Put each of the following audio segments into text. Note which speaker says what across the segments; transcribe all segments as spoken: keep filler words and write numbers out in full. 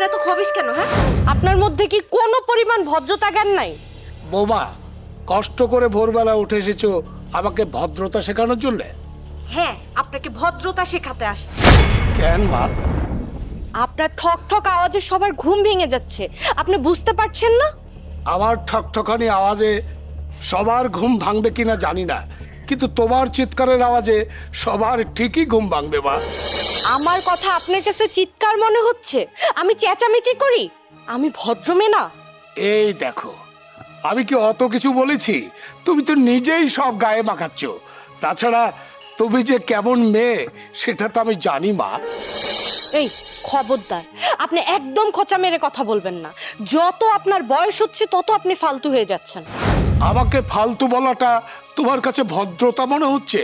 Speaker 1: আপনি এত খবিস কেন? হ্যাঁ, আপনার মধ্যে কি কোনো পরিমাণ ভদ্রতা জ্ঞান নাই?
Speaker 2: বৌমা, কষ্ট করে ভোরবেলা উঠে এসেছো আমাকে ভদ্রতা শেখানোর জন্য?
Speaker 1: হ্যাঁ, আপনাকে ভদ্রতা শেখাতে আসছে।
Speaker 2: কেন মা?
Speaker 1: আপনার ঠক ঠক আওয়াজে সবার ঘুম ভেঙে যাচ্ছে, আপনি বুঝতে পারছেন না?
Speaker 2: আমার ঠকঠকানি আওয়াজে সবার ঘুম ভাঙবে কিনা জানি না, কিন্তু তোমার চিৎকারের আওয়াজে সবার ঠিকই ঘুম ভাঙবে মা।
Speaker 1: আমার কথা আপনার কাছে চিৎকার মনে হচ্ছে? আমি চেঁচামেচি করি? আমি ভদ্র মেয়ে না?
Speaker 2: এই দেখো, আমি কি অত কিছু বলেছি? তুমি তো নিজেই সব গায়ে মাখাচ্ছ। তাছাড়া তুমি যে কেমন মেয়ে সেটা তো আমি জানি মা।
Speaker 1: এই খবরদার, আপনি একদম খোঁচা মেরে কথা বলবেন না। যত আপনার বয়স হচ্ছে তত আপনি ফালতু হয়ে যাচ্ছেন।
Speaker 2: আমাকে ফালতু বলাটা তোমার কাছে ভদ্রতা মনে হচ্ছে?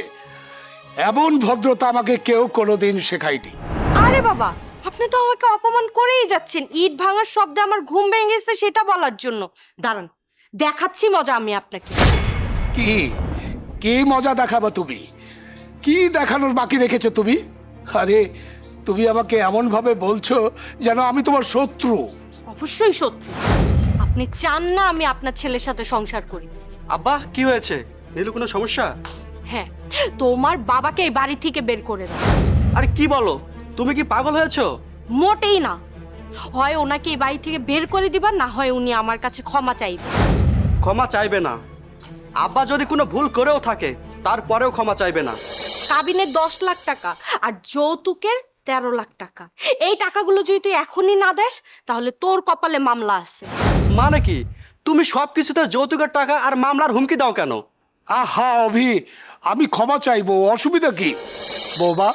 Speaker 2: এমন ভদ্রতা আমাকে কেউ কোনোদিন শেখায়নি।
Speaker 1: আরে বাবা, আপনি তো আমাকে অপমান করেই যাচ্ছেন। ইট ভাঙার শব্দে আমার ঘুম ভেঙে গেছে সেটা বলার জন্য। দাঁড়ান, দেখাচ্ছি মজা আমি আপনাকে।
Speaker 2: কি কি মজা দেখাবো তুমি? কি দেখানোর বাকি রেখেছো তুমি? আরে তুমি আমাকে এমন ভাবে বলছো যেন আমি তোমার শত্রু।
Speaker 1: অবশ্যই শত্রু। আপনি চান না আমি আপনার ছেলের সাথে সংসার করি।
Speaker 3: আব্বা কি হয়েছে? নীলু কোনো সমস্যা?
Speaker 1: হ্যাঁ, তোমার বাবাকে এই বাড়ি থেকে বের করে দাও।
Speaker 3: আরে কি বলো, তুমি কি পাগল হয়েছো?
Speaker 1: মোটেই না। হয় ওনাকে এই বাড়ি থেকে বের করে দিবা, না হয় উনি আমার কাছে ক্ষমা চাইবে।
Speaker 3: ক্ষমা চাইবে না? আব্বা যদি কোনো ভুল করেও থাকে তারপরেও ক্ষমা চাইবে না।
Speaker 1: কাবিনের দশ লাখ টাকা আর যৌতুকের তেরো লাখ টাকা, এই টাকাগুলো যদি তুই এখনই না দেস তাহলে তোর কপালে মামলা আছে।
Speaker 3: মানে কি, তুমি সব কিছুতে যৌতুকের টাকা আর মামলার হুমকি দাও কেন?
Speaker 2: আহা অভি, আমি ক্ষমা চাইবো, অসুবিধা কি? বৌমা,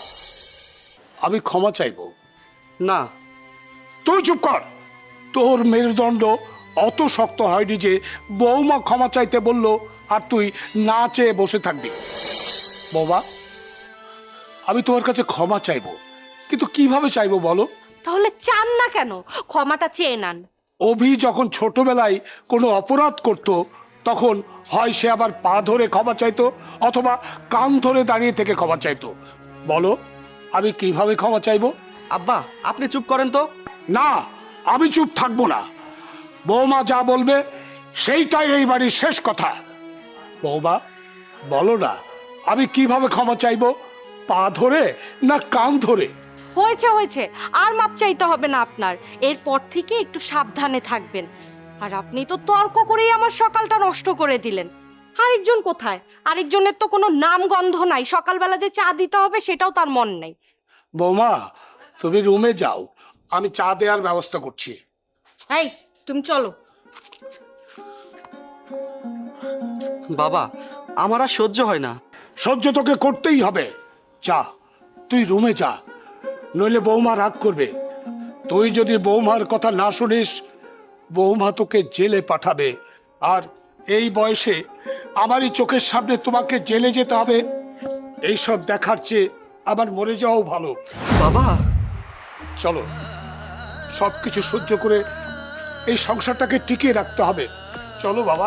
Speaker 2: আমি ক্ষমা চাইবো।
Speaker 3: না।
Speaker 2: তুই চুপ কর। তোর মেরুদণ্ড অত শক্ত হয়নি যে বৌমা ক্ষমা চাইতে বলল আর তুই না চেয়ে বসে থাকবি। বৌমা, আমি তোমার কাছে ক্ষমা চাইবো, কিন্তু কিভাবে চাইবো বলো?
Speaker 1: তাহলে চান না কেন? ক্ষমাটা চেয়ে নেন।
Speaker 2: অভি যখন ছোটবেলায় কোনো অপরাধ করত তখন হয় সে আবার পা ধরে ক্ষমা চাইতো অথবা কান ধরে দাঁড়িয়ে থেকে ক্ষমা চাইতো। বলো, আমি কিভাবে ক্ষমা চাইবো?
Speaker 3: আব্বা আপনি চুপ করেন তো।
Speaker 2: না, আমি চুপ থাকবো না। বৌমা যা বলবে সেইটাই এই বাড়ির শেষ কথা। বৌমা বলো না, আমি কিভাবে ক্ষমা চাইবো? পা ধরে না কান ধরে?
Speaker 1: হয়েছে হয়েছে, আর মাপ চাইতে হবে না আপনার। এরপর থেকে একটু সাবধানে থাকবেন। আর আপনি তো তর্ক করেই আমার সকালটা নষ্ট করে দিলেন। আরেকজন কোথায়? আরেকজনের তো কোনো নাম গন্ধ নাই। সকালবেলা যে চা দিতে হবে সেটাও তার মন নেই।
Speaker 2: বৌমা, তুমি রুমে যাও, আমি চা দেওয়ার ব্যবস্থা করছি।
Speaker 1: এই তুমি চলো।
Speaker 3: বাবা, আমার আর সহ্য হয় না।
Speaker 2: সহ্য তোকে করতেই হবে। যা, তুই রুমে যা, নইলে বৌমা রাগ করবে। তুই যদি বৌমার কথা না শুনিস, বৌমা তোকে জেলে পাঠাবে। আর এই বয়সে আমারই চোখের সামনে তোমাকে জেলে যেতে হবে। এইসব দেখার চেয়ে আমার মরে যাওয়াও ভালো।
Speaker 3: বাবা
Speaker 2: চলো, সব কিছু সহ্য করে এই সংসারটাকে টিকিয়ে রাখতে হবে। চলো বাবা।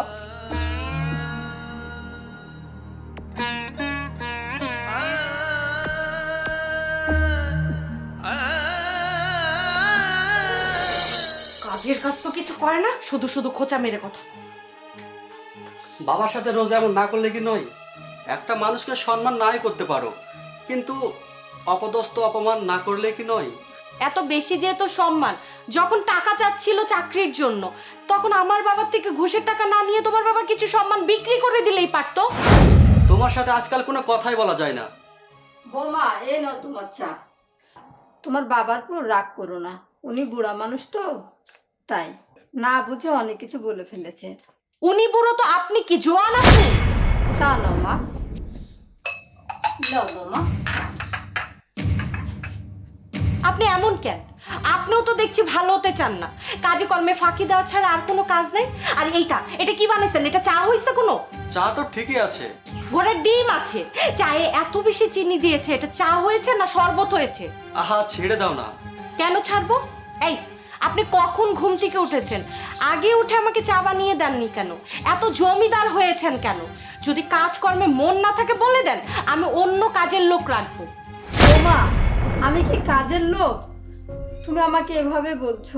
Speaker 1: কাজের কাজ তো কিছু করে না, শুধু শুধু খোঁচা মেরে কথা।
Speaker 3: বাবার সাথে রোজ এমন না করলে কি নয়? একটা মানুষকে সম্মান নাই করতে পারো, কিন্তু অপদস্থ অপমান না করলে কি নয়?
Speaker 1: এত বেশি যেহেতু সম্মান, যখন টাকা চাচ্ছিল চাকরির জন্য তখন আমার বাবার থেকে ঘুষের টাকা না নিয়ে তোমার বাবা কিছু সম্মান বিক্রি করে দিলেই পারতো।
Speaker 3: তোমার সাথে আজকাল কোনো কথাই বলা যায় না।
Speaker 4: বৌমা, এ নাও তোমার চা। তোমার বাবার উপর রাগ করো না, উনি বুড়া মানুষ তো, তাই না বুঝে অনেক কিছু বলে ফেলেছে।
Speaker 1: উনি বুড়ো তো আপনি কি জোয়ান? আপনি
Speaker 4: চা নাও মা। নাও বৌমা।
Speaker 1: আপনি এমন কেন? আপনিও তো দেখছি ভালো হতে চান না। কাজে কর্মে ফাঁকি দেওয়া ছাড়া আর কোনো কাজ নেই। আর এইটা এটা কি বানাইছেন? এটা চা হইছে কোনো?
Speaker 3: চা তো ঠিকই আছে।
Speaker 1: ঘোড়ার ডিম আছে, চায়ে এত বেশি চিনি দিয়েছে, এটা চা হয়েছে না শরবত হয়েছে?
Speaker 3: আহা ছেড়ে দাও না।
Speaker 1: কেন ছাড়বো? এই আপনি কখন ঘুম থেকে উঠেছেন? আগে উঠে আমাকে চা বানিয়ে দেননি কেন? এত জমিদার হয়েছেন কেন? যদি কাজকর্মে মন না থাকে বলে দেন, আমি অন্য কাজের লোক রাখবো।
Speaker 4: বৌমা, আমি কি কাজের লোক? তুমি আমাকে এভাবে বলছো?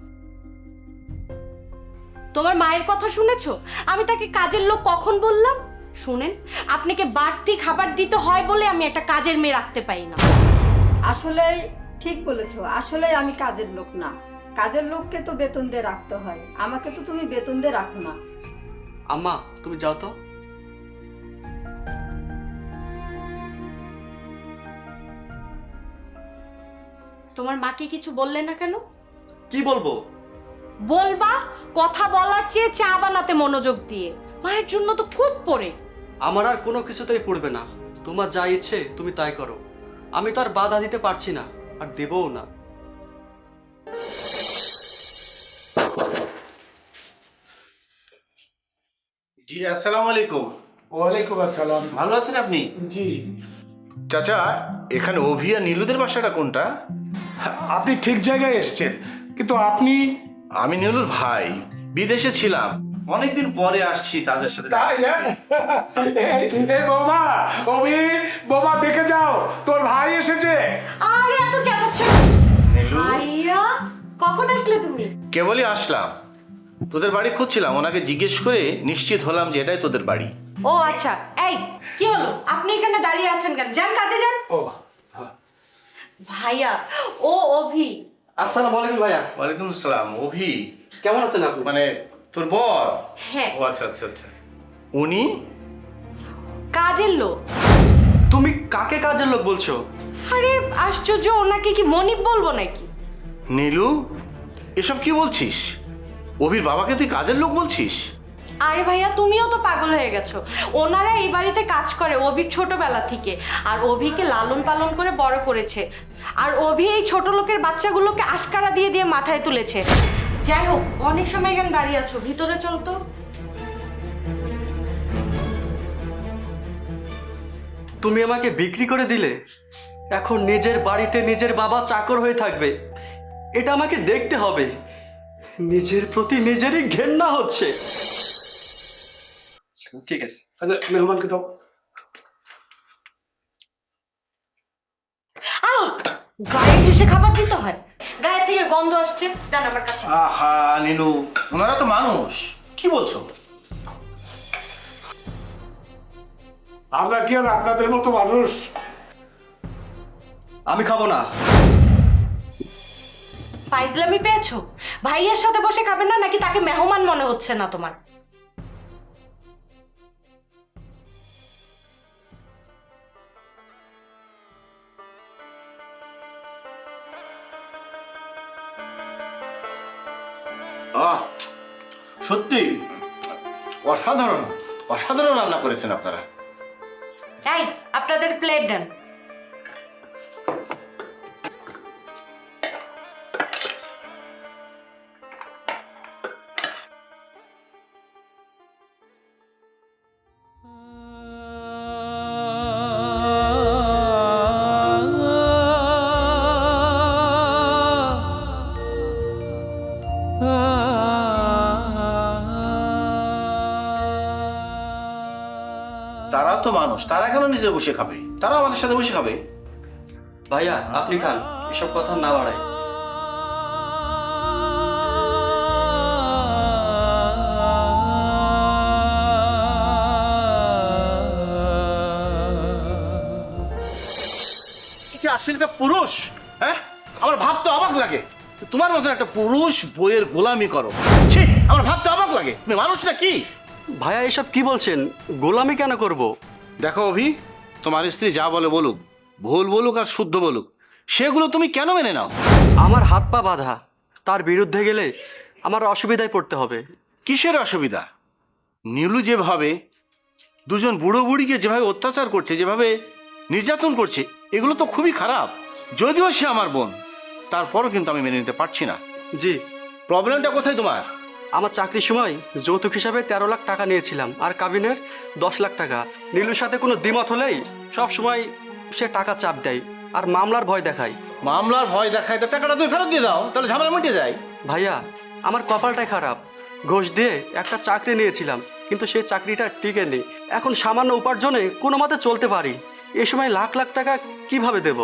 Speaker 1: তোমার মায়ের কথা শুনেছো? আমি তাকে কাজের লোক কখন বললাম? শুনেন, আপনাকে বাড়তি খাবার দিতে হয় বলে আমি একটা কাজের মেয়ে রাখতে পারি না।
Speaker 4: আসলে ঠিক বলেছো, আসলে আমি কাজের লোক না। কাজের লোককে তো বেতন দিয়ে রাখতে হয়, আমাকে তো তুমি বেতন দিয়ে রাখো না।
Speaker 3: আম্মা তুমি যাও তো।
Speaker 1: তোমার মাকে কিছু বললে না কেন?
Speaker 3: কি বলবো?
Speaker 1: বলবা, কথা বলার চেয়ে চা বানাতে মনোযোগ দিয়ে। মায়ের জন্য তো খুব পড়ে।
Speaker 3: আমার আর কোনো কিছুতেই পড়বে না। তোমার যা ইচ্ছে তুমি তাই করো। আমি তো আর বাধা দিতে পারছি না, আর দেবও না।
Speaker 5: জি আসসালামু আলাইকুম।
Speaker 2: ওয়ালাইকুম আসসালাম।
Speaker 5: ভালো আছেন আপনি?
Speaker 2: জি,
Speaker 5: চাচা, এখানে অভি আর নীলুদের বাসাটা কোনটা?
Speaker 2: আপনি ঠিক জায়গায় এসেছেন, কিন্তু আপনি?
Speaker 5: আমি নীলুর ভাই, বিদেশে ছিলাম, অনেকদিন পরে আসছি তাদের সাথে।
Speaker 2: তাই না? এই, এই বৌমা, অভি, বৌমা দেখে যাও, তোর ভাই এসেছে।
Speaker 1: আরে এত চেঁচাচ্ছো
Speaker 5: নীলু,
Speaker 1: ভাইয়া, কখন আসলে তুমি?
Speaker 5: কেবলই আসলাম। তোদের বাড়ি খুঁজছিলাম, ওনাকে জিজ্ঞেস করে নিশ্চিত হলাম যে এটাই তোদের বাড়ি।
Speaker 1: ও আচ্ছা, এই কি হলো? আপনি এখানে দাঁড়িয়ে আছেন কেন? যান কাজে যান।
Speaker 2: ও,
Speaker 1: ভাইয়া, ও অভি।
Speaker 3: আসসালামু আলাইকুম ভাইয়া।
Speaker 5: ওয়ালাইকুম আসসালাম। অভি
Speaker 3: কেমন আছেন আপনি?
Speaker 5: মানে তোর বর?
Speaker 1: হ্যাঁ,
Speaker 5: ও আচ্ছা আচ্ছা আচ্ছা। উনি?
Speaker 1: কাজের লোক।
Speaker 3: তুমি কাকে কাজের লোক বলছো?
Speaker 1: আরে আশ্চর্য, ওনাকে কি মনিব বলবো নাকি?
Speaker 5: নীলু, এসব কি বলছিস? অভির বাবাকে তুই কাজের লোক বলছিস?
Speaker 1: আরে ভাইয়া, তুমিও তো পাগল হয়ে গেছো। ওনারা এই বাড়িতে কাজ করে অভির ছোটবেলা থেকে, আর অভিকে লালন পালন করে বড় করেছে। আর অভি এই ছোট লোকের বাচ্চাগুলোকে আশকারা দিয়ে দিয়ে মাথায় তুলেছে। যাই হোক, অনেক সময় এখানে দাঁড়িয়ে আছো, ভিতরে চল তো।
Speaker 3: তুমি আমাকে বিক্রি করে দিলে, এখন নিজের বাড়িতে নিজের বাবা চাকর হয়ে থাকবে। এটা আমাকে দেখতে হবে। নিজের প্রতি নিজেরই ঘেন্না হচ্ছে। ঠিক আছে।
Speaker 2: আচ্ছা, মেহমানকে দাও।
Speaker 1: আহ, গায়ে ঘেসে খাবার দিতে হয়? গায়ে থেকে গন্ধ আসছে, দেন আমার কাছে।
Speaker 5: আহা নীলু, ওনারা তো মানুষ, কি বলছো?
Speaker 2: আমরা কি আর আপনাদের মতো মানুষ?
Speaker 3: আমি খাবো না।
Speaker 1: ফাইজলামি পেয়েছো? ভাইয়ের সাথে বসে খাবেন না, নাকি তাকে মেহমান মনে হচ্ছে না তোমার?
Speaker 5: আহ, সত্যি অসাধারণ, অসাধারণ রান্না করেছেন আপনারা।
Speaker 1: এই, আপনাদের প্লেট দেন।
Speaker 5: তারা তো মানুষ, তারা কেন নিজে বসে খাবে? তারা আমাদের সাথে বসে খাবে।
Speaker 3: ভাইয়া আপনি খান, এসব কথা না বাড়াই।
Speaker 5: কি আসলে একটা পুরুষ? হ্যাঁ, আমার ভাবতে অবাক লাগে তোমার মতন একটা পুরুষ বইয়ের গোলামি করো। ছি, আমার ভাবতে অবাক লাগে, তুমি মানুষ না কি?
Speaker 3: ভাইয়া এসব কি বলছেন? গোলামি কেন করব?
Speaker 5: দেখো অভি, তোমার স্ত্রী যা বলে বলুক, ভুল বলুক আর শুদ্ধ বলুক, সেগুলো তুমি কেন মেনে নাও?
Speaker 3: আমার হাত পা বাঁধা, তার বিরুদ্ধে গেলে আমার অসুবিধায় পড়তে হবে।
Speaker 5: কিসের অসুবিধা? নীলু যেভাবে দুজন বুড়ো বুড়িকে যেভাবে অত্যাচার করছে, যেভাবে নির্যাতন করছে, এগুলো তো খুবই খারাপ। যদিও সে আমার বোন, তারপরও কিন্তু আমি মেনে নিতে পারছি না।
Speaker 3: জি,
Speaker 5: প্রবলেমটা কোথায় তোমার?
Speaker 3: আমার চাকরির সময় যৌতুক হিসাবে তেরো লাখ টাকা নিয়েছিলাম, আর কাবিনের দশ লাখ টাকা। নীলুর সাথে কোনো দ্বিমত হলেই সব সময় সে টাকা চাপ দেয় আর মামলার ভয় দেখায়।
Speaker 5: মামলার ভয় দেখায়, তো টাকাটা তুমি ফেরত দিয়ে দাও, তাহলে ঝামেলা মিটে যায়।
Speaker 3: ভাইয়া, আমার কপালটাই খারাপ। ঘুষ দিয়ে একটা চাকরি নিয়েছিলাম, কিন্তু সেই চাকরিটা টিকে নেই। এখন সামান্য উপার্জনে কোনো মতে চলতে পারি, এই সময় লাখ লাখ টাকা কিভাবে দেব?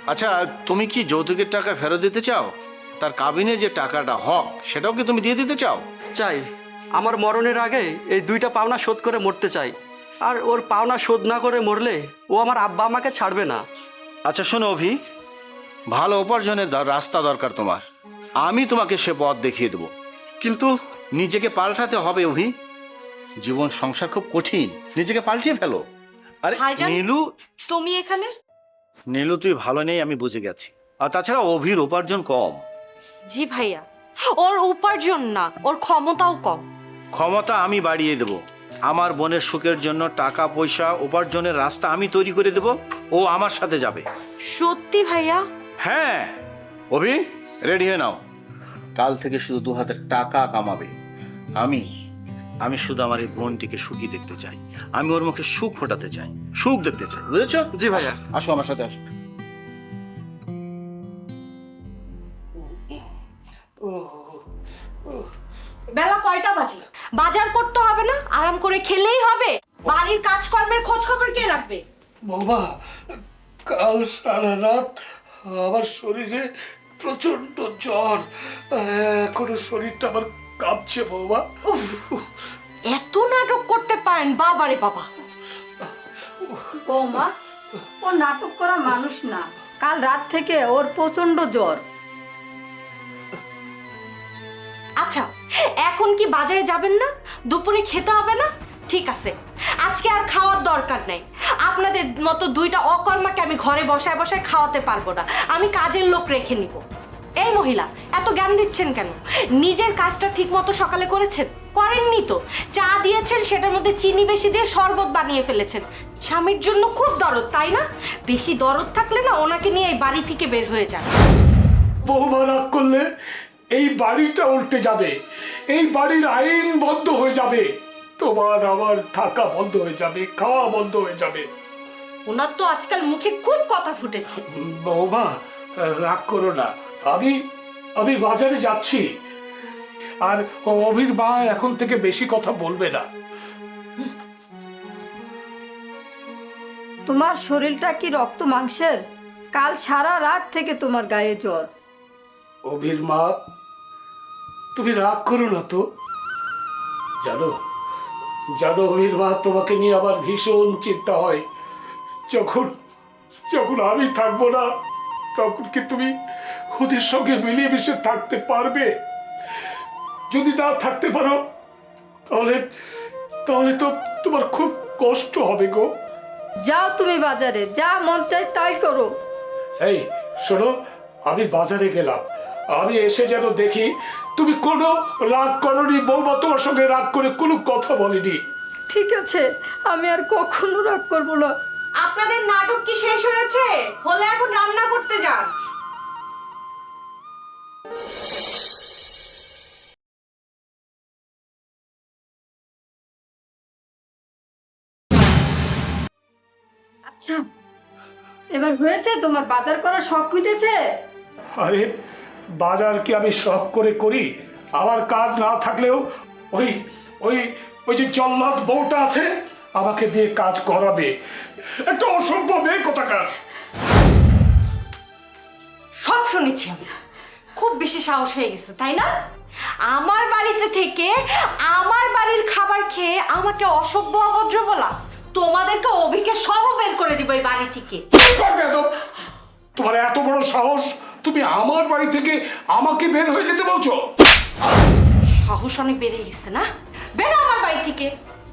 Speaker 5: আচ্ছা, তুমি কি যৌতুকের টাকা ফেরত দিতে চাও? তার কাবিনে যে টাকাটা হক সেটাও কি তুমি দিয়ে দিতে চাও?
Speaker 3: চাই, আমার মরণের আগে এই দুইটা পাওনা শোধ করে মরতে চাই। আর ওর পাওনা শোধ না করে মরলে ও আমার আব্বা আমাকে ছাড়বে না।
Speaker 5: আচ্ছা শোনো অভি, ভালো উপার্জনের দ- রাস্তা দরকার তোমার। আমি তোমাকে সে পথ দেখিয়ে দেবো, কিন্তু নিজেকে পাল্টাতে হবে অভি। জীবন সংসার খুব কঠিন, নিজেকে পাল্টিয়ে ফেলো। আরে
Speaker 1: ভাইজান।
Speaker 5: নীলু,
Speaker 1: তুমি এখানে?
Speaker 5: নীলু তুই ভালো নেই আমি বুঝে গেছি। আর তাছাড়া অভির উপার্জন কম।
Speaker 1: জি ভাইয়া, ওর উপার্জন না, ওর ক্ষমতাও কম।
Speaker 5: ক্ষমতা আমি বাড়িয়ে দেব। আমার বোনের সুখের জন্য টাকা পয়সা উপার্জনের রাস্তা আমি তৈরি করে দেব, ও আমার সাথে যাবে।
Speaker 1: সত্যি ভাইয়া?
Speaker 5: হ্যাঁ অভি, রেডি হয়ে নাও। কাল থেকে শুধু দু হাতে টাকা কামাবে। আমি আমি শুধু আমার এই বোনটিকে সুখী দেখতে চাই। আমি ওর মুখে সুখ ফোটাতে চাই, সুখ দেখতে চাই, বুঝেছো?
Speaker 3: জি ভাইয়া।
Speaker 5: আসো আমার সাথে আসো।
Speaker 1: বেলা কয়টা বাজে? বাজার করতে হবে না? আরাম করে খেলেই হবে? বাড়ির কাজকর্মের খোঁজ খবর কে রাখবে?
Speaker 2: বৌমা, কাল সারা রাত আমার শরীরে প্রচন্ড জ্বর, এখনো শরীরটা আমার কাঁপছে বৌমা।
Speaker 1: এত নাটক করতে পারেন বাবারে বাবা।
Speaker 4: বৌমা, ও নাটক করা মানুষ না। কাল রাত থেকে ওর প্রচন্ড জ্বর।
Speaker 1: আচ্ছা, এখন কি বাজারে যাবেন না? দুপুরে খেতে হবে না? ঠিক আছে, আজকে আর খাওয়ার দরকার নাই। আপনাদের মতো দুইটা অকর্মাকে আমি ঘরে বসায় বসায় খাওয়াতে পারবো না। আমি কাজের লোক রেখে নিব। এই মহিলা, এত জ্ঞান দিচ্ছেন কেন? নিজের কাজটা ঠিক মতো সকালে করেছেন? করেননি তো। চা দিয়েছেন, সেটার মধ্যে চিনি বেশি দিয়ে শরবত বানিয়ে ফেলেছেন। স্বামীর জন্য খুব দরদ, তাই না? বেশি দরদ থাকলে না ওনাকে নিয়ে এই বাড়ি থেকে বের হয়ে যান।
Speaker 2: বৌমা রাগ করলে এই বাড়িটা উল্টে যাবে, এই বাড়ির আইন বন্ধ হয়ে যাবে, তোমার আমার থাকা বন্ধ হয়ে যাবে, খাওয়া বন্ধ হয়ে যাবে।
Speaker 1: ওনার তো আজকাল মুখে খুব কথা ফুটেছে।
Speaker 2: বৌমা রাগ করো না, আমি আমি বাজারে যাচ্ছি। আর অভির মা এখন থেকে বেশি কথা বলবে না।
Speaker 4: তোমার শরীরটা কি রক্ত মাংসের? কাল সারা রাত থেকে তোমার গায়ে জ্বর।
Speaker 2: অভির মা, তুমি রাগ করো না তো। জানো জানো অভির মা, তোমাকে নিয়ে আমার ভীষণ চিন্তা হয়। যখন যখন আমি থাকবো না, তখন কি তুমি ওদের সঙ্গে মিলিয়ে মিশে থাকতে পারবে? যদি না থাকতে পারো, তাহলে তাহলে তো তোমার খুব কষ্ট হবে গো।
Speaker 4: যাও তুমি বাজারে, যা মন চাই তাই করো।
Speaker 2: এই শোনো, আমি বাজারে গেলাম, আমি এসে যেন দেখি তুমি কোনো রাগ করনি। বৌমা তোমার সঙ্গে রাগ করে কোনো কথা বলেনি।
Speaker 4: ঠিক আছে, আমি আর কখনো রাগ করবো না।
Speaker 1: আপনাদের নাটক কি শেষ হয়েছে? হলে এখন রান্না করতে যান।
Speaker 4: আচ্ছা, এবার হয়েছে? তোমার বাজার করার শখ মিটেছে?
Speaker 2: আরে বাজার কি আমি শখ করে করি? আমার কাজ না থাকলেও ওই ওই ওই যে জল্লাদ বউটা আছে, আমাকে দিয়ে কাজ করাবে। একটা অসভ্য মেয়ে কোথাকার।
Speaker 1: সব শুনেছি আমি। খুব বেশি সাহস হয়ে গেছে, তাই না? আমার বাড়িতে থেকে আমার বাড়ির খাবার খেয়ে আমাকে অসভ্য অভদ্র বলা। তোমাদেরকে অভিকে সহ বের করে দিব এই বাড়ি থেকে।
Speaker 2: তোমার এত বড় সাহস, তুমি আমার বাড়ি থেকে আমাকে বের হয়ে যেতে বলছো?
Speaker 1: সাহস অনেক বেড়ে গেছে না? বেরো আমার বাড়ি থেকে।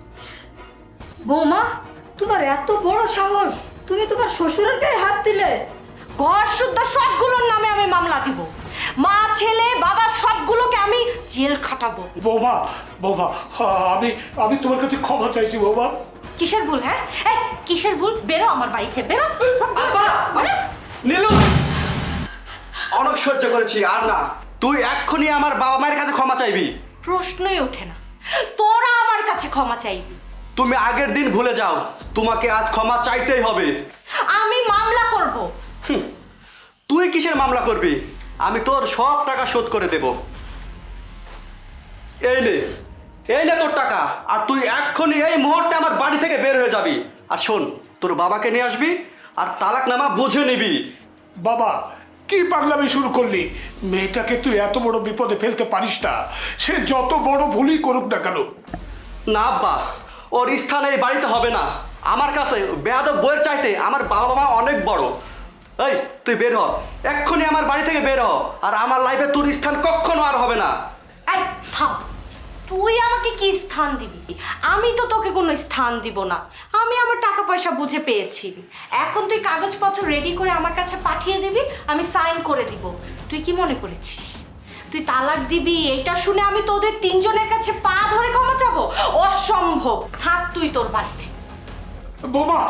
Speaker 4: বৌমা, তোমার এত বড় সাহস, তুমি তোমার শ্বশুরের গায়ে হাত দিলে?
Speaker 1: ঘর শুদ্ধ সবগুলোর নামে আমি মামলা দিব। মা ছেলে বাবা সবগুলোকে আমি জেল খাটাবো।
Speaker 2: বৌমা বৌমা আমি আমি তোমার কাছে ক্ষমা চাইছি বৌমা।
Speaker 1: কিসের ভুল? হ্যাঁ, এই কিসের ভুল? বেরো আমার বাড়িতে, বেরো।
Speaker 3: আব্বা! নীলু, অনেক সহ্য করেছি, আর না। তুই এক্ষুনি আমার বাবা মায়ের কাছে ক্ষমা চাইবি।
Speaker 1: প্রশ্নই ওঠে না, তোরা আমার কাছে ক্ষমা চাইবি।
Speaker 3: তুমি আগের দিন ভুলে যাও, তোমাকে আজ ক্ষমা চাইতেই হবে।
Speaker 1: আমি মামলা করব।
Speaker 3: হুম, তুই কিসের মামলা করবি? আমি তোর সব টাকা শোধ করে দেব। এই নে, এই নে তোর টাকা। আর তুই এক্ষুনি এই মুহূর্তে আমার বাড়ি থেকে বের হয়ে যাবি। আর শোন, তোর বাবাকে নিয়ে আসবি আর তালাকনামা বুঝে নিবি।
Speaker 2: বাবা কি পাগলামি শুরু করলি? মেয়েটাকে তুই এত বড় বিপদে ফেলতে পারিস না, সে যত বড় ভুলই করুক না কেন।
Speaker 3: না আব্বা, ওর স্থান এই বাড়িতে হবে না। আমার কাছে বেয়াদব বইয়ের চাইতে আমার বাবা মা অনেক বড়। এই তুই বের হ, এক্ষুনি আমার বাড়ি থেকে বের হ, আর আমার লাইফে তোর স্থান কখনো আর হবে না।
Speaker 1: এই থাম, তুই আমাকে কি স্থান দিবি? আমি তো তোকে কোনো স্থান দিব না। আমি আমার টাকা পয়সা বুঝে পেয়েছি। এখন তুই কাগজপত্র রেডি করে আমার কাছে পাঠিয়ে দিবি, আমি সাইন করে দিব। তুই কি মনে করেছিস তুই তালাক দিবি এটা শুনে আমি তোদের তিনজনের কাছে পা ধরে ক্ষমা চাবো? অসম্ভব। থাক তুই তোর বাড়িতে।
Speaker 2: বোমা,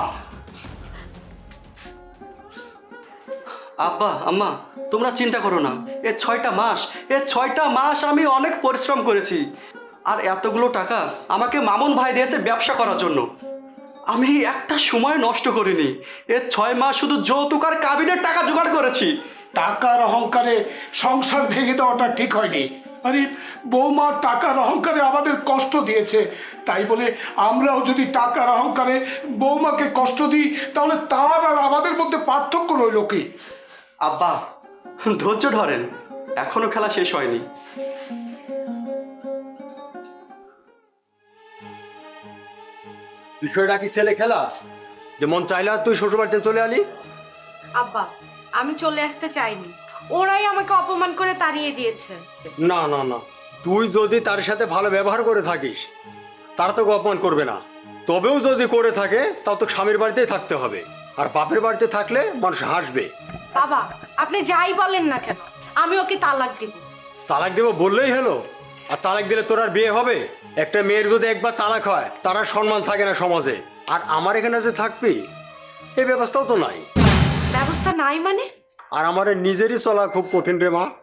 Speaker 3: আব্বা আম্মা, তোমরা চিন্তা করো না। এ ছয়টা মাস এ ছয়টা মাস আমি অনেক পরিশ্রম করেছি, আর এতগুলো টাকা আমাকে মামুন ভাই দিয়েছে ব্যবসা করার জন্য। আমি একটা সময় নষ্ট করিনি। এ ছয় মাস শুধু যৌতুক আর কাবিনের টাকা জোগাড় করেছি।
Speaker 2: টাকার অহংকারে সংসার ভেঙে দেওয়াটা ঠিক হয়নি। আরে বৌমা টাকার অহংকারে আমাদের কষ্ট দিয়েছে, তাই বলে আমরাও যদি টাকার অহংকারে বৌমাকে কষ্ট দিই তাহলে তার আর আমাদের মধ্যে পার্থক্য রইল কি?
Speaker 3: আব্বা ধৈর্য ধরেন, এখনো খেলা শেষ হয়নি।
Speaker 6: বিষয়টা কি ছেলে খেলা যে মন চাইলে আর তুই শ্বশুরবাড়িতে চলে আলি?
Speaker 1: আব্বা আমি চলে আসতে চাইনি, ওরাই আমাকে অপমান করে তাড়িয়ে দিয়েছে।
Speaker 6: না না না, তুই যদি তার সাথে ভালো ব্যবহার করে থাকিস তারা তোকে অপমান করবে না। তবেও যদি করে থাকে তাও তো স্বামীর বাড়িতেই থাকতে হবে, আর বাপের বাড়িতে থাকলে মানুষ হাসবে।
Speaker 1: বাবা আপনি যাই বলেন না কেন, আমি ওকে তালাক দিব।
Speaker 6: তালাক দেবো বললেই হলো? আর তালাক দিলে তোর আর বিয়ে হবে? একটা মেয়ের যদি একবার তালাক হয় তার আর সম্মান থাকে না সমাজে। আর আমার এখানে যে থাকবি এই ব্যবস্থাও তো নাই।
Speaker 1: ব্যবস্থা নাই মানে?
Speaker 6: আর আমার নিজেরই চলা খুব কঠিন রে মা।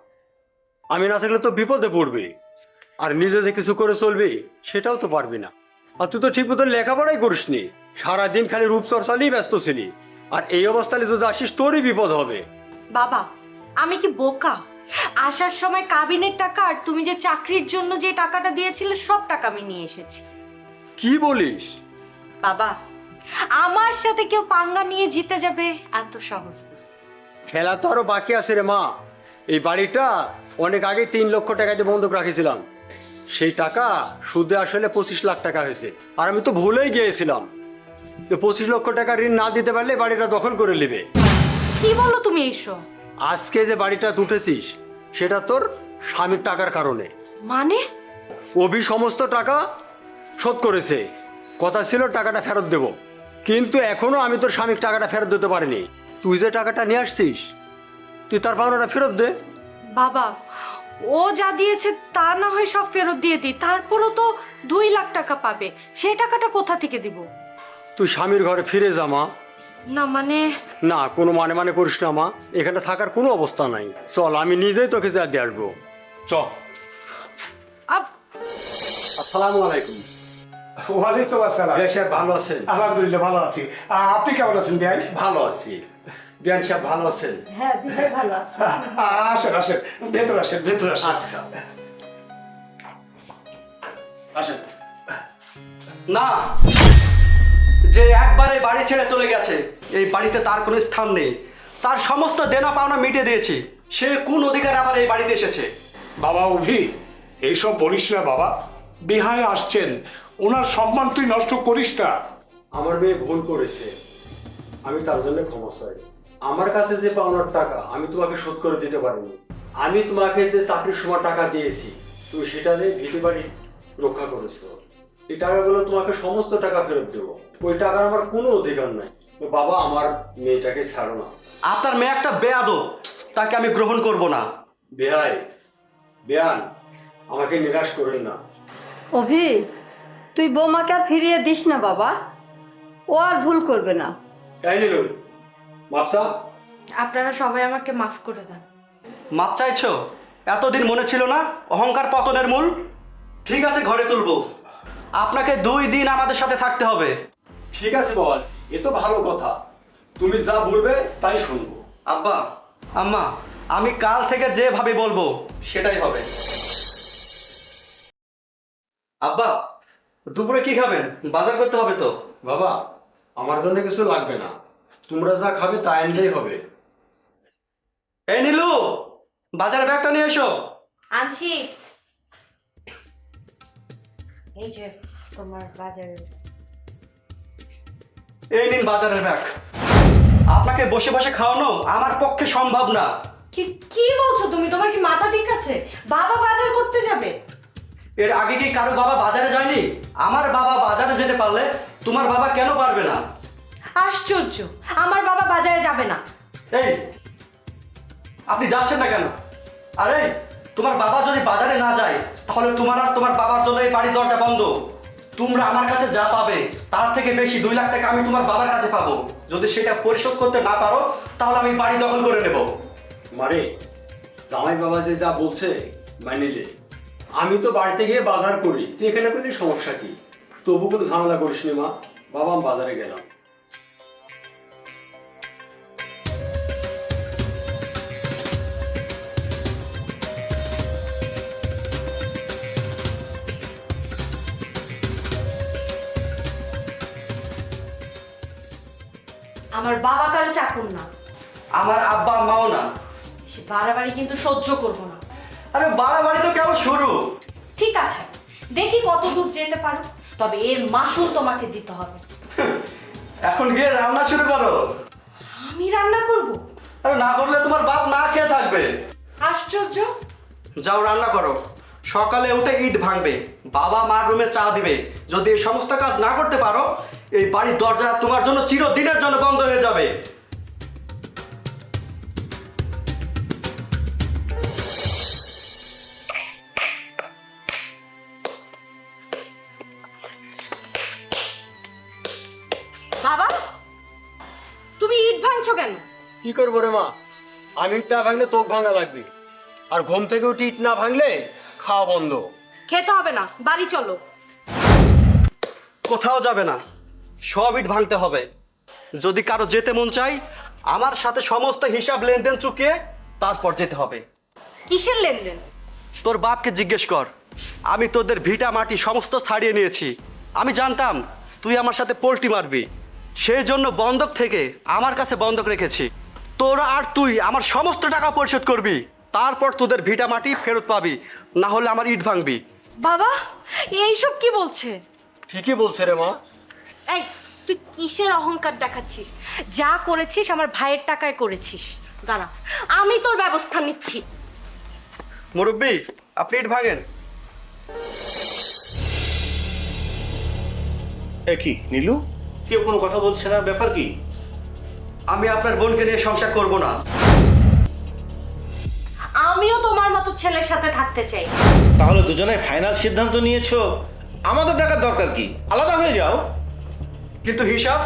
Speaker 6: আমি না থাকলে তো বিপদে পড়বি, আর নিজে যে কিছু করে চলবি সেটাও তো পারবি না। আর তুই তো ঠিক মতো লেখাপড়াই করিসনি, সারাদিন খালি রূপচর্চা নিয়েই ব্যস্ত ছিলি। আর এই অবস্থায় যদি আসিস তোরই বিপদ হবে।
Speaker 1: বাবা আমি কি বোকা? আসার সময় কাবিনের টাকা আর তুমি যে চাকরির জন্য যে টাকাটা দিয়েছিলে সব টাকা আমি নিয়ে এসেছি।
Speaker 6: কি বলিস?
Speaker 1: বাবা আমার সাথে কেউ পাঙ্গা নিয়ে জিতে যাবে এত সহজ না।
Speaker 6: খেলা তো আরো বাকি আছে রে মা। এই বাড়িটা অনেক আগে তিন লক্ষ টাকা দিয়ে বন্ধক রাখিছিলাম, সেই টাকা সুদে আসলে পঁচিশ লাখ টাকা হয়েছে। আর আমি তো ভুলেই গিয়েছিলাম যে পঁচিশ লক্ষ টাকা ঋণ না দিতে পারলে বাড়িটা দখল করে নেবে।
Speaker 1: কি বলো তুমি এইসব?
Speaker 6: আজকে যে বাড়িটা তুটেছিস সেটা তোর স্বামীর টাকার কারণে।
Speaker 1: মানে?
Speaker 6: অভি সমস্ত টাকা শোধ করেছে, কথা ছিল টাকাটা ফেরত দেব, কিন্তু এখনো আমি তোর স্বামীর টাকাটা ফেরত দিতে পারিনি। তুই যে টাকাটা নিয়ে আসছিস তুই তার পাওনাটা ফেরত দে।
Speaker 1: বাবা ও যা দিয়েছে তা না হয় সব ফেরত দিয়ে দিই, তারপরও তো দুই লাখ টাকা পাবে, সেই টাকাটা কোথা থেকে দিব?
Speaker 6: তুই স্বামীর ঘরে ফিরে যা মা।
Speaker 1: না মানে?
Speaker 6: না কোনো মানে মানে করিস না মা, এখানে থাকার কোনো অবস্থা নাই। চল আমি নিজেই তোকে যা দিয়ে আসবো। চল।
Speaker 1: আপ-
Speaker 6: আসসালামু আলাইকুম।
Speaker 2: ওয়ালাইকুম আসসালাম।
Speaker 6: বিয়ান সাহেব ভালো আছেন?
Speaker 2: আলহামদুলিল্লাহ ভালো আছি। আহ, আপনি কেমন আছেন ভাই?
Speaker 6: ভালো আছি। বিয়ান সাহেব ভালো আছেন?
Speaker 4: হ্যাঁ দিদি ভালো আছে।
Speaker 2: আহ, আসেন আসেন, ভেতর আসেন ভেতর আসেন।
Speaker 6: আচ্ছা
Speaker 2: আসেন।
Speaker 3: না, যে একবারে বাড়ি ছেড়ে চলে গেছে এই বাড়িতে তার কোনো স্থান নেই। তার সমস্ত দেনা পাওনা মিটে দিয়েছি, সে কোন অধিকার আবার এই বাড়িতে এসেছে?
Speaker 2: বাবা অভি, এইসব বলিস না বাবা। বিহায় আসছেন, ওনার সম্মান তুই নষ্ট করিস না।
Speaker 6: আমার মেয়ে ভুল করেছে, আমি তার জন্য ক্ষমা চাই। আমার কাছে যে পাওনার টাকা আমি তোমাকে শোধ করে দিতে পারিনি। আমি তোমাকে যে চাকরির সময় টাকা দিয়েছি তুমি সেটা দিয়ে ভিটে বাড়ি রক্ষা করেছো। এই টাকাগুলো তোমাকে সমস্ত টাকা ফেরত দেবো, ওই টাকার আমার কোনো অধিকার নাই। তো বাবা আমার মেয়েটাকে ছাড়ো না।
Speaker 3: আপনার মেয়ে একটা বেয়াদব, তাকে আমি গ্রহণ করব না।
Speaker 6: বেহাই বেয়ান আমাকে নিরাশ করেন না।
Speaker 4: অভি তুই বৌমাকে আর ফিরিয়ে দিস না বাবা, ও আর ভুল করবে না।
Speaker 6: তাই নিল মাপসা।
Speaker 1: আপনারা সবাই আমাকে মাফ করে দেন।
Speaker 3: মাপ চাইছো? এতদিন মনে ছিল না অহংকার পতনের মূল? ঠিক আছে, ঘরে তুলবো। আপনাকে দুই দিন আমাদের সাথে থাকতে হবে।
Speaker 6: ঠিক আছে বস, এ তো ভালো কথা, তুমি যা বলবে তাই শুনবো।
Speaker 3: আব্বা আম্মা, আমি কাল থেকে যেভাবে বলবো সেটাই হবে। আব্বা দুপুরে কি খাবেন? বাজার করতে হবে তো।
Speaker 6: বাবা আমার জন্য কিছু লাগবে না, তোমরা যা খাবে তা আনলেই হবে।
Speaker 3: বাজারে ব্যাগটা নিয়ে এসো।
Speaker 1: আনছি। এই যে তোমার বাজারে।
Speaker 3: এই নিন বাজারের ব্যাগ। আপনাকে বসে বসে খাওয়ানো আমার পক্ষে সম্ভব না।
Speaker 1: কি কি বলছো তুমি? তোমার কি মাথা ঠিক আছে? বাবা বাজার করতে যাবে?
Speaker 3: এর আগে কি কারো বাবা বাজারে যায়নি? আমার বাবা বাজারে যেতে পারলে তোমার বাবা কেন পারবে না?
Speaker 1: আশ্চর্য, আমার বাবা বাজারে যাবে না।
Speaker 3: এই আপনি যাচ্ছেন না কেন? আরে তোমার বাবা যদি বাজারে না যায় তাহলে তোমার আর তোমার বাবার জন্য এই বাড়ির দরজা বন্ধ। তোমরা আমার কাছে যা পাবে তার থেকে বেশি দুই লাখ টাকা আমি তোমার বাবার কাছে পাবো। যদি সেটা পরিশোধ করতে না পারো তাহলে আমি বাড়ি দখল করে নেব।
Speaker 6: মারে, জামাই বাবা যে যা বলছে মানিলে। আমি তো বাড়িতে গিয়ে বাজার করি, তুই এখানে করলে সমস্যা কি? তবু কোনো ঝামেলা করিস নি মা। বাবা আমি বাজারে গেলাম।
Speaker 1: আমার বাবা কারো চাকর না।
Speaker 3: আমার আব্বা মাও না।
Speaker 1: সে বাড়াবাড়ি কিন্তু সহ্য করবো না।
Speaker 3: আরে বাড়াবাড়ি তো কেমন শুরু।
Speaker 1: ঠিক আছে, দেখি কত দূর যেতে পারো, তবে এর মাসুল তোমাকে দিতে হবে।
Speaker 3: এখন গিয়ে রান্না শুরু করো।
Speaker 1: আমি রান্না করব?
Speaker 3: আরে না করলে তোমার বাপ না খেয়ে থাকবে।
Speaker 1: আশ্চর্য।
Speaker 3: যাও রান্না করো। সকালে উঠে ইট ভাঙবে, বাবা মার রুমে চা দিবে। যদি এই সমস্ত কাজ না করতে পারো এই বাড়ির দরজা তোমার জন্য চিরদিনের জন্য বন্ধ হয়ে যাবে।
Speaker 1: বাবা, তুমি ইট ভাঙছো কেন?
Speaker 6: কি করবো রে মা? আমি ইট না ভাঙলে তোক ভাঙা লাগবে, আর ঘুম থেকে উঠে ইট না ভাঙলে খাওয়া বন্ধ।
Speaker 1: খেতে হবে না, বাড়ি চলো।
Speaker 3: কোথাও যাবে না, সব ইট ভাঙতে হবে। যদি কারো যেতে মন চাই আমার সাথে সমস্ত হিসাব লেনদেন চুকিয়ে তারপর যেতে হবে।
Speaker 1: কিসের লেনদেন?
Speaker 3: তোর বাপকে জিজ্ঞেস কর। আমি তোদের ভিটা মাটি সমস্ত ছাড়িয়ে নিয়েছি। আমি জানতাম তুই আমার সাথে পোল্টি মারবি, সেই জন্য বন্ধক থেকে আমার কাছে বন্ধক রেখেছি। তোরা আর তুই আমার সমস্ত টাকা পরিশোধ করবি, তারপর তোদের ভিটা মাটি ফেরত পাবি, না হলে আমার ইট ভাঙবি।
Speaker 1: বাবা, এইসব কি বলছে?
Speaker 6: ঠিকই বলছে রে মা।
Speaker 1: এই, তুই কিসের অহংকার দেখাচ্ছিস? যা করেছিস আমার ভাইয়ের টাকায় করেছিস। দাঁড়া, আমি তোর ব্যবস্থা নিচ্ছি।
Speaker 3: মুরব্বি, আপনি ইট ভাঙেন।
Speaker 5: এ কি নীলু, কেউ কোনো কথা বলছে না, ব্যাপার কি?
Speaker 3: আমি আপনার বোনকে নিয়ে সংসার করব না।
Speaker 1: আমিও তোমার মতো ছেলের সাথে থাকতে চাই।
Speaker 5: তাহলে দুজনে ফাইনাল সিদ্ধান্ত নিয়েছো, আমাদের দেখার দরকার কি? আলাদা হয়ে যাও।
Speaker 3: কিন্তু হিসাব,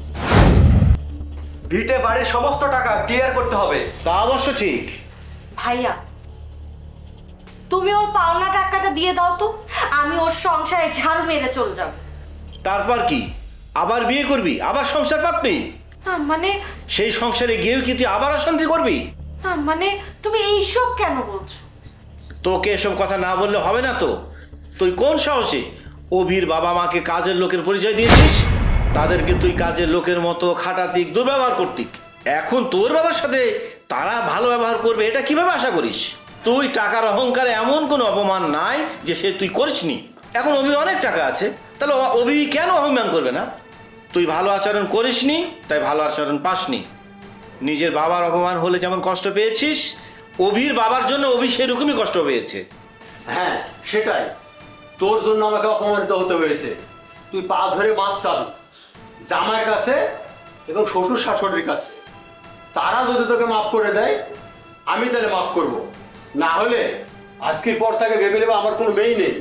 Speaker 3: ভিটে বাড়ির সমস্ত টাকা ক্লিয়ার করতে হবে।
Speaker 5: তা অবশ্য ঠিক।
Speaker 1: ভাইয়া, তুমি ওর পাওনা টাকাটা দিয়ে দাও তো, আমি ওর সংসারে ঝাড়ু মেরে চলে যাব।
Speaker 5: তারপর কি, আবার বিয়ে করবি, আবার সংসার পাতবি?
Speaker 1: না মানে,
Speaker 5: সেই সংসারে গিয়েও কি তুই আবার অশান্তি করবি?
Speaker 1: না মানে তুমি এইসব কেন বলছো?
Speaker 5: তোকে এসব কথা না বললে হবে না তো। তুই কোন সাহসে অভির বাবা মাকে কাজের লোকের পরিচয় দিয়েছিস? তাদেরকে তুই কাজের লোকের মতো খাটাতিক, দুর্ব্যবহার করতিক। এখন তোর বাবার সাথে তারা ভালো ব্যবহার করবে এটা কিভাবে আশা করিস? তুই টাকার অহংকারে এমন কোনো অপমান নাই যে সে তুই করিসনি। এখন অভি অনেক টাকা আছে, তাহলে অভি কেন অভিমান করবে না? তুই ভালো আচরণ করিসনি তাই ভালো আচরণ পাসনি। নিজের বাবার অপমান হলে যেমন কষ্ট পেয়েছিস, অভির বাবার জন্য অভি সেরকমই কষ্ট পেয়েছে।
Speaker 6: হ্যাঁ সেটাই, তোর জন্য আমাকে অপমানিত হতে হয়েছে। তুই পা ধরে মাপ চাবি জামাইয়ের কাছে এবং শ্বশুর শাশুড়ির কাছে। তারা যদি তোকে মাফ করে দেয় আমি তাহলে মাফ করব, না হলে আজকের পর থেকে ভেবে নেবে আমার কোনো মেয়ে নেই।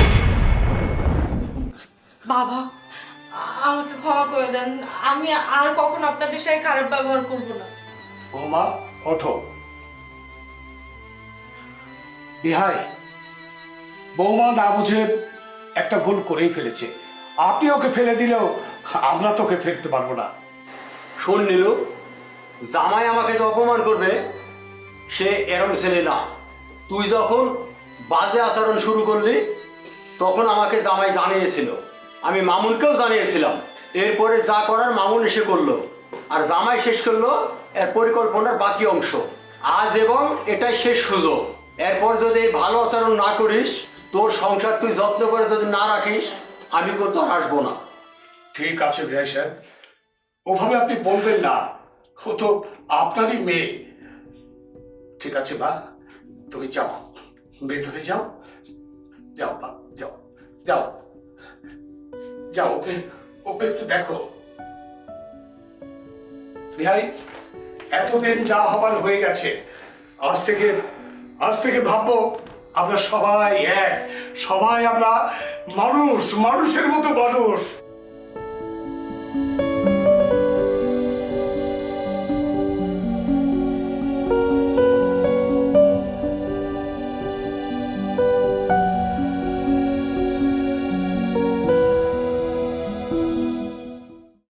Speaker 1: বাবা, আমাকে ক্ষমা করে দেন, আমি আর কখনো আপনাদের সাথে খারাপ ব্যবহার করব না।
Speaker 2: বৌমা ওঠো। বিহাই, বৌমা না বুঝে একটা ভুল করেই ফেলেছে। আপনি ওকে ফেলে দিলেও আমরা তোকে ফেলতে পারবো না।
Speaker 6: শোন নীলু, জামাই আমাকে যে অপমান করবে সে এরম ছেলে না। তুই যখন বাজে আচরণ শুরু করলি তখন আমাকে জামাই জানিয়েছিল, আমি মামুনকেও জানিয়েছিলাম। এরপরে যা করার মামুন এসে করলো, আর জামাই শেষ করলো এর পরিকল্পনার বাকি অংশ। আজ এবং এটাই শেষ সুযোগ। এরপর যদি ভালো আচরণ না করিস, তোর সংসার তুই যত্ন করে যদি না রাখিস, আমি কিন্তু আর আসবো না।
Speaker 2: ঠিক আছে ভাই সাহেব, ওভাবে আপনি বলবেন না, ও তো আপনারই মেয়ে। ঠিক আছে মা, তুমি যাও, ভেতরে যাও, যাও মা, যাও যাও যাও, ওকে ওকে একটু দেখো। ভাই, এতদিন যা হবার হয়ে গেছে, আজ থেকে আজ থেকে ভাববো আমরা সবাই এক, সবাই আমরা মানুষ, মানুষের মতো মানুষ।